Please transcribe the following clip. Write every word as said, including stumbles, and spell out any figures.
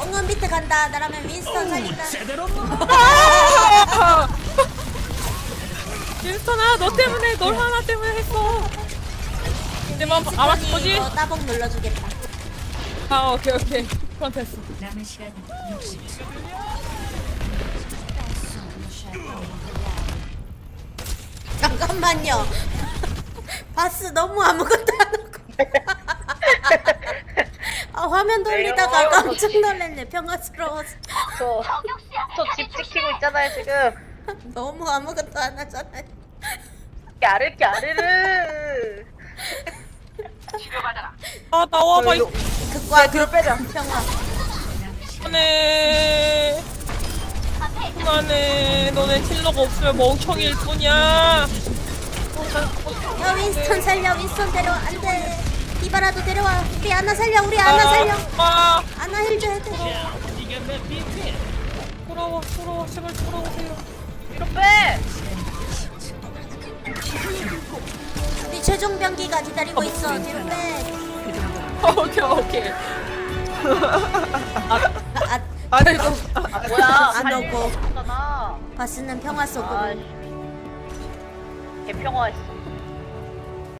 엉은 밑에 간다. 나라면 윈스턴 살린다. 윈스턴아 너 때문에 널 하나 때문에 했어. 이제 뭐 알았어 뭐지? 너 따봉 눌러주겠다. 아 오케이 오케이 그럼 됐어. 남은 시간 육십 초. 잠깐만요. 바스 너무 아무것도 안 하고. 아, 화면 돌리다가 내려와. 깜짝 놀랐네. 평화스러워서. 저, 저 집 지키고 있잖아요, 지금. 너무 아무것도 안 하잖아요. 까르, 까르르. 아 나와봐 이 극과 뒤로 빼자. 평화. 안해. 안해. 너네 킬러가 없으면 멍청일 뿐이야. 야, 윈스턴 살려. 윈스턴 데려와. 안 돼. 디바라도 데려와. 우리 아나 살려. 우리 아나 살려. 아 아나 힐 줘야 돼. 돌아와 돌아와 제발 돌아오세요. 뒤로 빼. 우리 최종 병기가 기다리고 있어. 뒤로 빼. 오케이 오케이. 아, 아, 아 결국 아, 뭐야. 안 오고. 잖아 바스는 평화 속으로. 아, 개평화했어.